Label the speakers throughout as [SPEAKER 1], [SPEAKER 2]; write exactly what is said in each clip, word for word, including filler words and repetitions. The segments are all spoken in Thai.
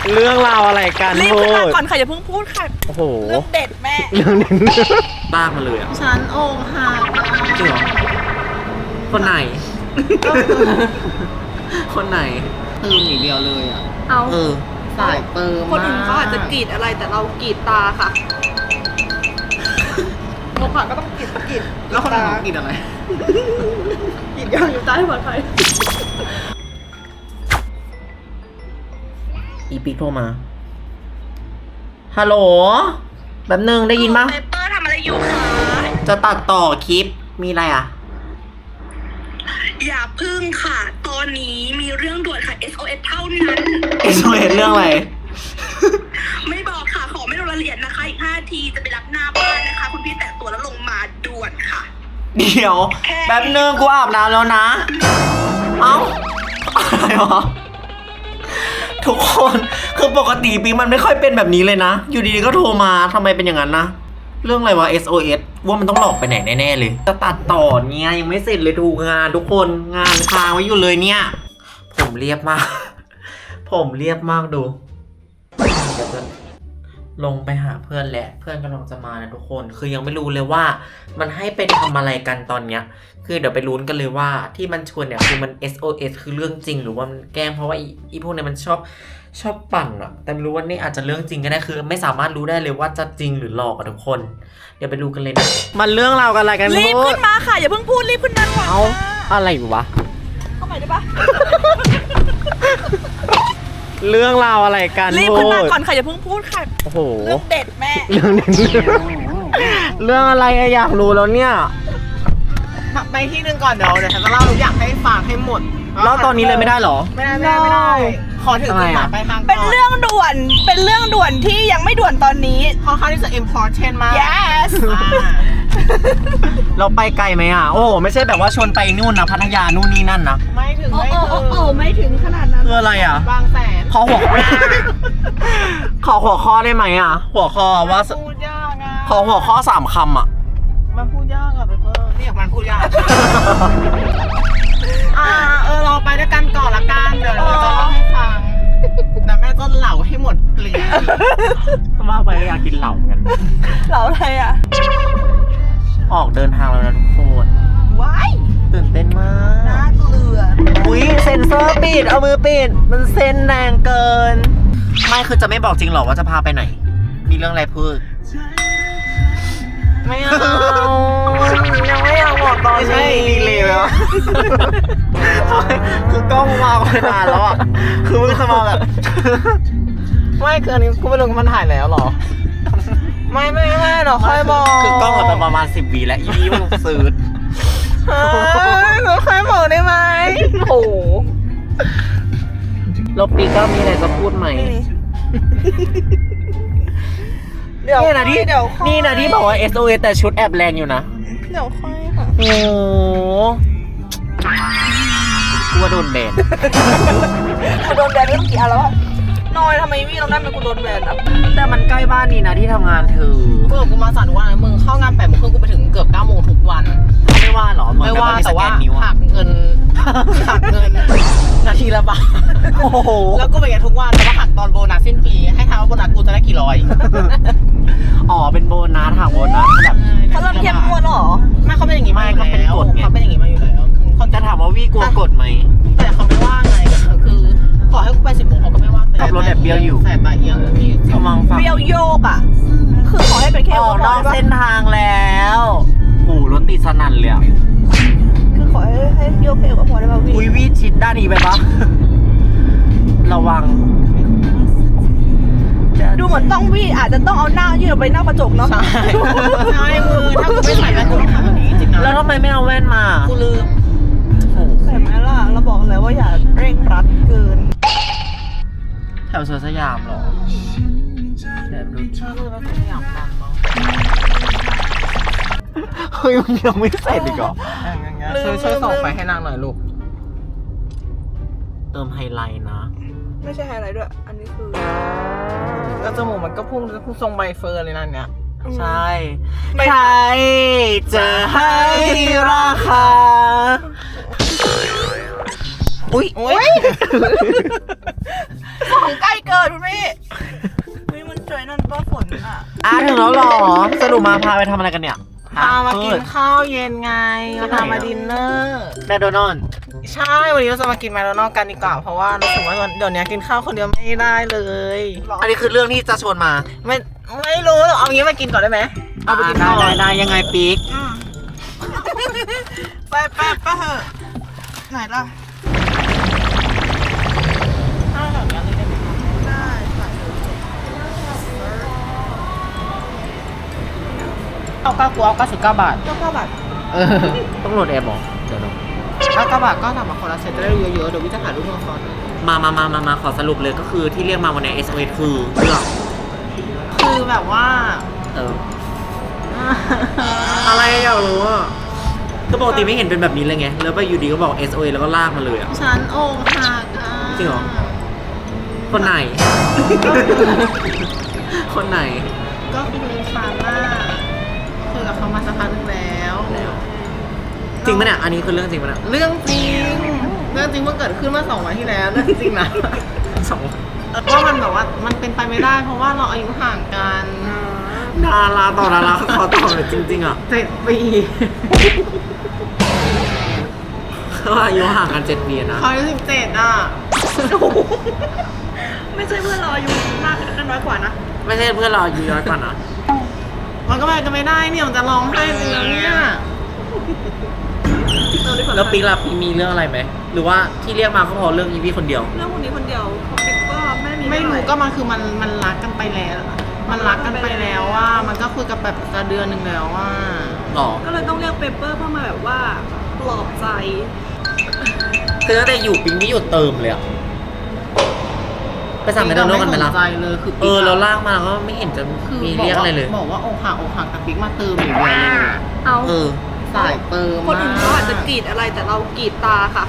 [SPEAKER 1] เรื่องราวอะไรกันรี
[SPEAKER 2] บขึ้นมาก่อนค่ะอย่าเพิ่งพูดค่ะ
[SPEAKER 1] โอ้โห
[SPEAKER 2] เรื่องเด็ดแม่
[SPEAKER 1] เรื่องเด็ดตากมาเลยอ่ะ
[SPEAKER 3] ฉันองหัก
[SPEAKER 1] จริงเหรอคนไหนคนไหน
[SPEAKER 3] เติมอย่างเดียวเลยอ่ะ
[SPEAKER 2] เอา
[SPEAKER 1] เออ
[SPEAKER 3] สายเติม
[SPEAKER 2] คนอื่นเขาอาจจะกรีดอะไรแต่เรากรีดตาค่ะโมก่อนก็ต้องกรีดกรีด
[SPEAKER 3] แล้วคนอื่นเขากรีดอะไร
[SPEAKER 2] กรีดยางอยู่ใต้หัวใคร
[SPEAKER 1] อีปิ๊กโทรมาฮัลโหลแบบนึงได้ยินปะ
[SPEAKER 2] เปเปอร์ทำอะไรอยู่คะ
[SPEAKER 1] จะตัดต่อคลิปมีอะไรอ่ะ
[SPEAKER 2] อย่าพึ่งค่ะตอนนี้มีเรื่องด่วนค่ะ เอส โอ เอส เท่านั้น
[SPEAKER 1] เอส โอ เอส เรื่องอะไร
[SPEAKER 2] ไม่บอกค่ะขอไม่ลงรายละเอียดนะคะอีกห้าทีจะไปรับหน้าบ้านนะคะคุณพี่แต่งตัวแล้วลงมาด่วนค่ะ
[SPEAKER 1] เดี๋ยวแบบนึงกูอาบน้ำแล้วนะเอ้าอะไรวะทุกคนคือปกติปิ๊งมันไม่ค่อยเป็นแบบนี้เลยนะอยู่ดีๆก็โทรมาทำไมเป็นอย่างนั้นนะเรื่องอะไรวะ เอส โอ เอส ว่ามันต้องหลอกไปไหนแน่ๆเลยจะตัดต่อเนี่ยยังไม่เสร็จเลยดูงานทุกคนงานค้างไว้อยู่เลยเนี่ยผมเรียบมากผมเรียบมากดูเดี๋ยวจะลงไปหาเพื่อนแหละเพื่อนกำลังจะมานะทุกคนคือยังไม่รู้เลยว่ามันให้ไปทำอะไรกันตอนเนี้ยคือเดี๋ยวไปลุ้นกันเลยว่าที่มันชวนเนี่ยคือมัน เอส โอ เอส คือเรื่องจริงหรือว่ามันแกล้งเพราะว่าอีพวกนี้มันชอบชอบปั่นอะแต่ไม่รู้ว่านี่อาจจะเรื่องจริงก็ได้คือไม่สามารถรู้ได้เลยว่าจะจริงหรือหลอกอะทุกคนเดี๋ยวไปดูกันเลยนะมันเรื่องราวกันอะไรกัน
[SPEAKER 2] รีบขึ้นมาค่ะอย่าเพิ่งพูดรีบขึ้นมาก่อน
[SPEAKER 1] เอาอะไรวะ
[SPEAKER 2] เข้าใหม่ได้ปะ
[SPEAKER 1] เรื่องราวอะไรกัน
[SPEAKER 2] รีบขึ้นมาก่อนค่ะอย่าเพิ่งพูดค่ะ
[SPEAKER 1] โอ้โห
[SPEAKER 2] เรื่องเด็ดแม่
[SPEAKER 1] เรื่องเด็ดเรื่องอะไรอยากรู้แล้วเนี่ย
[SPEAKER 3] ไปที่นึงก่อนเดี๋ยวเดี๋ยวฉันจะเล่าทุกอย่างให้ฟังให้หมด
[SPEAKER 1] เล่าตอนนี้เลยไม่ได้หรอ
[SPEAKER 3] ไม่ได้ไม่ได้ไม่ได้ขอถึงจุดหมายปลายทาง
[SPEAKER 2] เป็นเรื่องด่วนเป็นเรื่องด่วนที่ยังไม่ด่วนตอนนี้
[SPEAKER 3] ค่อนข้างที่จะ important มาก
[SPEAKER 2] yes
[SPEAKER 1] เราไปไกลไหมอ่ะโอ้ไม่ใช่แบบว่าชวนไปนู่นนะพัทยานู่นนี่นั่นนะ
[SPEAKER 3] ไม่ถึงไม่ถึง
[SPEAKER 2] โอ้ไม่ถึงขนาดนั้น
[SPEAKER 1] คืออะไรอ่ะ
[SPEAKER 3] บางแสน
[SPEAKER 1] ขอหัวขอหัวข้อได้ไหมอ่ะหัวข้อว่า
[SPEAKER 3] พูดยากอ่ะ
[SPEAKER 1] ขอหัวข้อสามคำอ่ะ
[SPEAKER 3] มันพูดยากอ่ะไปเพิ่มเรียกมันพูดยากอ่าเออเราไปด้วยกันก่อนละกันเดี๋ยวเราจะเล่าให้ฟังแต่แม่จะเหล่าให้หมดเกลี้ยง
[SPEAKER 1] ว่าไปอยากกินเหล่ากัน
[SPEAKER 2] เหล่าอะไรอ่ะ
[SPEAKER 1] ออกเดินทางแล้วนะทุกคน
[SPEAKER 2] ว้าย
[SPEAKER 1] ตื่นเต้นมาก
[SPEAKER 2] น่าเกลือ
[SPEAKER 1] อุ้ยเซ็นเซอร์ปิดเอามือปิดมันเซ็นแรงเกินไม่คือจะไม่บอกจริงหรอว่าจะพาไปไหนมีเรื่องอะไรพูดไม่เอายังไม่อยากบอกตอนนี้ดีเลยเหรอคือกล้องมาไปนานแล้วอ่ะคือมึงจะมาแบบ
[SPEAKER 3] ไม่คืออันนี้กูไม่รู้มันถ่ายแล้วหรอไม่ไม่ไม่หรอกค่อยบอก
[SPEAKER 1] คือกล้องมาประมาณสิบวีแล้วอีนี่มันซื้อ
[SPEAKER 3] หนูค่อยบอกได้ไหม
[SPEAKER 1] โอ้แล้วปีก็มีอะไรจะพูดไหมนี่นะที่นี่นะที่บอกว่า เอส โอ เอส แต่ชุดแอบแรงอยู่นะ
[SPEAKER 2] เดี๋ยวค่อยค่ะ
[SPEAKER 1] โอ้กูว่าโดนแบน
[SPEAKER 2] กูโดนแบนเรื่องกี่อันแล้วอะน้อยทำไมวี่เราได้เป็นกูโดนแบนอ่ะ
[SPEAKER 1] แต่มันใกล้บ้านนี่นะที่ทำงานเธอ
[SPEAKER 3] กูกูมาสานวันมึงเข้างานแปดโมงครึ่งกูไปถึงเกือบเก้าโมงทุกวัน
[SPEAKER 1] ไม่ว่าหรอ
[SPEAKER 3] ไม่ว่าแต่ว่าหักเงินหักเงินนาทีละบาท
[SPEAKER 1] โอ้โห
[SPEAKER 3] แล้วก็ไปกันทุกวันแล้วก็หักตอนโบนัสสิ้นปีให้ทายว่าโบนัสกูจะได้กี่ร้อย
[SPEAKER 1] อ๋อเป็นโบนัสหักโบนัสแบบ
[SPEAKER 2] เขาเริ่มเข้มงวดหรอ
[SPEAKER 3] ไม่เขาเป็นอย่างนี้มาเขาเป็นกฎเขาเป็นอย่างนี้มาอยู่แล้ว
[SPEAKER 1] คนจะถามว่าวี่กลัวกฎไหม
[SPEAKER 3] แต่เขาไม่ว่าไงคือขอให้กูไปสิบโมงเขาก็ไม่ว่า
[SPEAKER 1] ขับรถแบบเบี้ยวอยู่
[SPEAKER 3] แต่ตาเอียง
[SPEAKER 1] พี่กำลังฟัง
[SPEAKER 2] เบี้ยวโยกอ่ะคือขอให้เป็นแค่
[SPEAKER 1] ออกนอกเส้นทางแล้วโอ้รถติดสนั่นเลย
[SPEAKER 2] คือขอให้ให้โยกเพลงกับพอได้ป่ะพี่
[SPEAKER 1] อุ้ยวี่ชิดด้านนี้ไปปะระวัง
[SPEAKER 2] ดูเหมือนต้องวี่อาจจะต้องเอาหน้ายื่นออกไปหน้ากระจกเนาะ
[SPEAKER 3] ใช่ใช่มือถ้ากูไม่ใส่แว่นกูต้องทำแบบนี้จริงนะ
[SPEAKER 1] แล้วทำไมไม่เอาแว่นมา
[SPEAKER 3] กูลืม
[SPEAKER 2] ใส่ไหมล่ะเราบอกเลยว่าอย่าเร่งรัดเกิน
[SPEAKER 1] แถวสวนสยามหรอแบบดู
[SPEAKER 3] ชอบเลยว่าสยามฟังมั้ง
[SPEAKER 1] เฮ้ยมันยังไม่เสร็จอีกเหรอ
[SPEAKER 3] ช่วยช่วยส่งไปให้นางหน่อยลูก
[SPEAKER 1] เติมไฮไลท์นะ
[SPEAKER 2] ไม่ใช่ไฮไลท์ด้วยอันนี้คือ
[SPEAKER 3] ก็จมูกมันก็พุ่งจะพุ่งทรงใบเฟิร์นเลยนั่นเนี่ย
[SPEAKER 1] ใช่ใครจะให้ราคาอุ้ย
[SPEAKER 3] โอ้ยของใกล้เกินคุณพี่
[SPEAKER 2] เฮ้ยมันเจอนั่นป้าฝนอ่ะ
[SPEAKER 1] อ่ะถึงแล้วเหรอสรุปมาพาไปทำอะไรกันเนี่ย
[SPEAKER 3] พามากินข้าวเย็นไงพามาดินเนอร์
[SPEAKER 1] แมคโดนัลด์
[SPEAKER 3] ใช่ วันนี้เราจะมากินแมคโดนัลด์กันดีกว่า เพราะว่ารู้สึกว่าเดี๋ยวนี้กินข้าวคนเดียวไม่ได้เลย
[SPEAKER 1] อันนี้คือเรื่องที่จะชวนมา
[SPEAKER 3] ไม่ไม่รู้เอางี้มากินก่อนได้ไหมเอาไปกิน
[SPEAKER 1] ได้
[SPEAKER 3] ก่อน
[SPEAKER 1] ได้ได้ยังไงปิ๊ก
[SPEAKER 2] ไปไปไปเถอะไหนล่ะ
[SPEAKER 3] ข้าวแบบนี้เลยได้ไหม
[SPEAKER 2] ได้ค่ะ
[SPEAKER 3] เอาเก้ากูเอาเก้าสิบเก้าบาท
[SPEAKER 2] ก็ก็แบบ
[SPEAKER 3] เออ
[SPEAKER 1] ต้องโหลดแอปหรอเดี๋ยวนะ
[SPEAKER 3] เก้าเก้าบาทก็ทำมาคนละเซตจะได้เยอะๆเดี๋ยววิจะถ่ายรูปมาคอน
[SPEAKER 1] มามามามามาขอสรุปเลยก็คือที่เรียกมาวันนี้ เอส โอ เอส คือเรื่อง
[SPEAKER 3] คือแบบว่า
[SPEAKER 1] เออ อะไรอยากรู้อ่ะก็ปกติไม่เห็นเป็นแบบนี้เลยไง แล้วไปอยู่ดีก็บอก เอส โอ เอส แล้วก็ลากมาเลยอ่ะ
[SPEAKER 3] ฉันอกหักอ่ะ
[SPEAKER 1] จริงเหรอ คนไหน คนไหน
[SPEAKER 3] ก็คือฉันน่ะคุยกับเขามาสักพักนึงแล้ว
[SPEAKER 1] จริงปะเนี่ย อันนี้คือเรื่องจริงปะเนี่ย
[SPEAKER 3] เรื่องจริง เรื่องจริงเมื่อเกิดขึ้นเมื่อสองวันที่แล้วเรื่องจริงนะ
[SPEAKER 1] สอง
[SPEAKER 3] ว่ามันแบบว่ามันเป็นไปไม่ได้ เพราะว่าเราอายุห่างกัน
[SPEAKER 1] ดาราต่อดาราเขาต่อเลยจริง ๆ อ่ะ
[SPEAKER 3] เจ็ดปี
[SPEAKER 1] เขาอายุห่างกันเจ็ดปีนะ
[SPEAKER 3] เขาอายุสิบเจ็ดอ่ะ
[SPEAKER 2] ไม่ใช่เพื่อนเราอายุมากกันน้อยกว่านะ
[SPEAKER 1] ไม่ใช่เพื่อนเราอายุน้อยกว่านะ
[SPEAKER 3] มันก็ไปกันไม่ได้เนี่ยมันจะร้องไห้จริงๆเนี่ย
[SPEAKER 1] แล้วปิ๊กล่ะปิ๊กมีเรื่องอะไรไหม หรือว่าที่เรียกมาก็เพราะเรื่องอีพี่คนเดียว
[SPEAKER 2] เรื่องคนนี้คนเดียวเขาปิ๊กก็ไม่มี
[SPEAKER 3] ไม่รู้ก็มันคือมันมันรักกันไปแล้ว มันรักกันไปแล้วว่า มันก็คุยกันแบบจะเดือนหนึ่งแล้วว่า
[SPEAKER 1] อ๋อ
[SPEAKER 2] ก็เลยต้องเรียกเปเปอร์เพื่อมาแบบว่าปลอบใจ
[SPEAKER 1] คือตั้งแต่อยู่ปิ๊งไม่หยุดเติมเลยอะไปสั่งแมคโดนัลด์กันไหมล่ะ
[SPEAKER 3] ไม่สนใจเลยคือ
[SPEAKER 1] เออเราลากมาก็ไม่เห็นจะ
[SPEAKER 3] คือ
[SPEAKER 1] มีเรียกอะไรเลย
[SPEAKER 3] บอกว่าอกหักอกหักแต่ปิ๊กมาเติมอย่างเดียวเลย
[SPEAKER 2] เอา
[SPEAKER 1] เออ
[SPEAKER 3] สายเติม
[SPEAKER 2] คนอื่นเขาอาจจะกรีดอะไรแต่เรากรีดตาค่ะ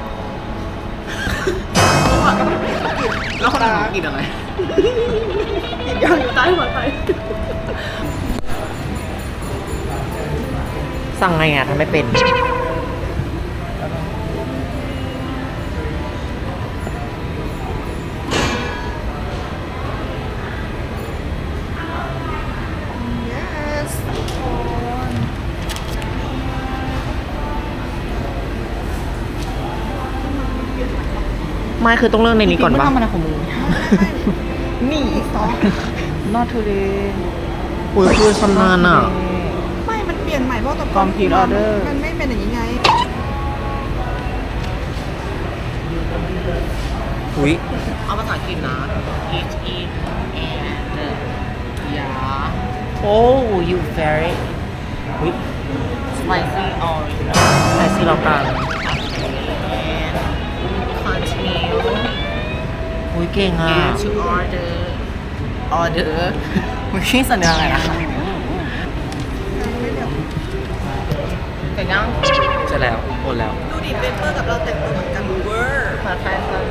[SPEAKER 3] แล้วคนอื่นกินอะไร
[SPEAKER 2] กรีดยาวอยู่ใต้หัวใจ
[SPEAKER 1] สั่งไงอ่ะทำไม่เป็น ไม่คือต้องเรื่องในนี้ก่อนปะ
[SPEAKER 3] ทำอะไรของมึงนี่ซอ not today
[SPEAKER 1] อุ้ยคือชำนาญอ่ะ
[SPEAKER 2] ไม่มันเปลี่ยนใหม่เพราะกับ
[SPEAKER 3] Complete order
[SPEAKER 2] มันไม่เป็นอย่างนี้ไง
[SPEAKER 1] อุ้ย
[SPEAKER 3] เอาภาษาอังกฤษนะ H E and ยา
[SPEAKER 1] โอ้ you very อุ้ย
[SPEAKER 3] spicy orange
[SPEAKER 1] ไอซี่เรากลาง
[SPEAKER 3] and continue
[SPEAKER 1] อุ้ยเก่งอ่ะ
[SPEAKER 3] get to order order มึงชื่อสัญญาอะไรอะเสร็จยัง
[SPEAKER 1] ใช่แล้วหมดแล้ว
[SPEAKER 2] ดูดิเปเปอร์กับเราแต่งตัวเหมือนกันเวอร์
[SPEAKER 3] ภาษาไทยสัก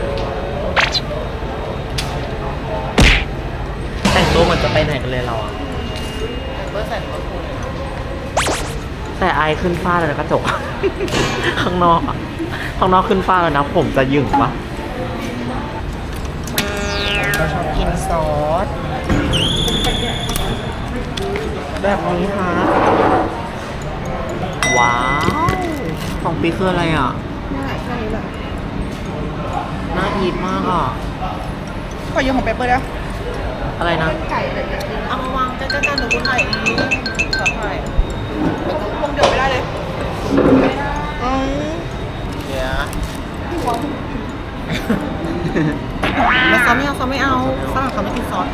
[SPEAKER 1] แต่งตัวเหมือนจะไปไหนกันเลยเราอ่ะ
[SPEAKER 3] เบอร์ใส่เบอร์คูณ
[SPEAKER 1] แต่ไอขึ้นฟ้าเลยนะกระจก ข้างนอกอ่ะ ข้างนอกขึ้นฟ้าเลยนะ ผมจะยึงปะ
[SPEAKER 3] เราชอบกินซอส
[SPEAKER 1] แบบนี้ค่ะ ว้าวของปีคืออะไรอ่ะ
[SPEAKER 2] นี่แหละแค่นี้แหละ
[SPEAKER 1] น่าอีทมากอ่ะ
[SPEAKER 2] ขอยืมของเปเปอร์นะ
[SPEAKER 1] อะไรนะ
[SPEAKER 2] ไก่อะไรอย่างเงี้ย
[SPEAKER 3] เอามาวางใกล้ๆกันเดี๋ยวกูถ่ายเองขอถ่าย
[SPEAKER 2] วงเดียวไม่ได้เลยอืม
[SPEAKER 3] เดี๋ยวไม่ซอสไม่เอาซอสไม่เอาฝรั่งเขาไม่กินซอสกัน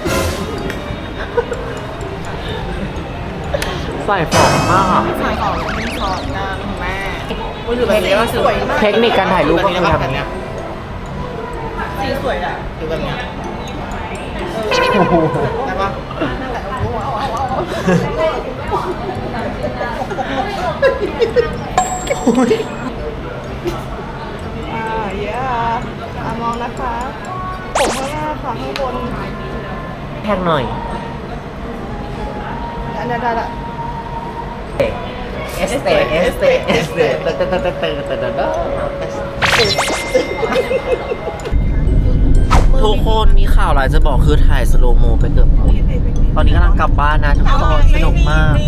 [SPEAKER 1] ใส่ฟองมากอ่ะ
[SPEAKER 3] ใส่ของไม่กินซอสกันแม่มือถือแบบนี้ก็สวยมาก
[SPEAKER 1] เทคนิคการถ่ายรูปก็คือทำอย่างเนี้ย
[SPEAKER 2] สีสวยอ่ะ
[SPEAKER 3] ดูแบบเนี้ย
[SPEAKER 1] โอ้โห
[SPEAKER 3] ได้ปะ
[SPEAKER 2] อ่าเย้อ่ามองนะคะ ผมข้างหน้าค่ะข้างบน
[SPEAKER 1] แท็กหน่อย
[SPEAKER 2] อันนี้ได้ละ
[SPEAKER 1] เอสเตเอสเตเอสเตเตเตเตเตเตเตทุกคนมีข่าวอะไรจะบอกคือถ่ายสโลโมไปเกือบหมด ตอนนี้กำลังกลับบ้านนะทุกคนสนุกมาก